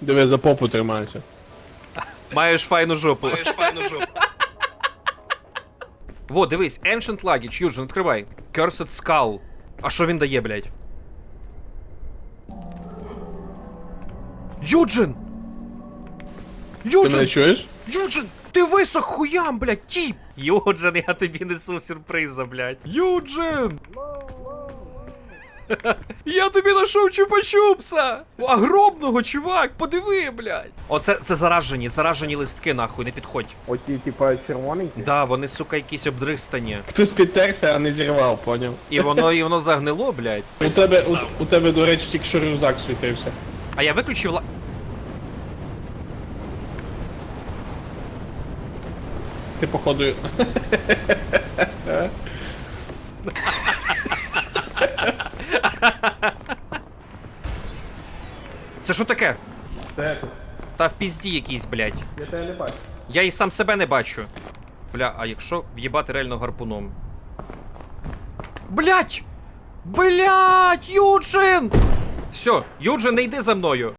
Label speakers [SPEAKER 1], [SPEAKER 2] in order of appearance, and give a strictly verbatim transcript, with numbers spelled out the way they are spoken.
[SPEAKER 1] Диви, за попу тримайся.
[SPEAKER 2] Маєш файну жопу. Маєш файну жопу. Во, дивись, Ancient Luggage, Юджин, відкривай. Cursed Skull. А що він дає, блядь? Юджин!
[SPEAKER 1] Ти
[SPEAKER 2] Юджин!
[SPEAKER 1] мене чуєш?
[SPEAKER 2] Юджин! Ти висох хуям, блядь, тіп! Юджин, я тобі несу сюрприза, блядь. Юджин! Я тобі нашов чупа-чупса! Огромного, чувак, подиви, блядь! Оце це заражені, заражені листки, нахуй, не підходь.
[SPEAKER 3] Оті, типа, червоненькі?
[SPEAKER 2] Да, вони, сука, якісь обдристані.
[SPEAKER 1] Хтось підтерся, а не зірвав, поняв?
[SPEAKER 2] І воно, і воно загнило, блядь.
[SPEAKER 1] У тебе, у, у тебе, до речі, тільки що рюкзак світився.
[SPEAKER 2] А я виключив ла...
[SPEAKER 1] Ти, походу...
[SPEAKER 2] Це що таке?
[SPEAKER 3] Це тут.
[SPEAKER 2] Та в пізді якийсь, блядь.
[SPEAKER 3] Я тебе не бачу.
[SPEAKER 2] Я і сам себе не бачу. Бля, а якщо в'їбати реально гарпуном? Блять! Блять, Юджин! Все, Юджин, не йди за мною.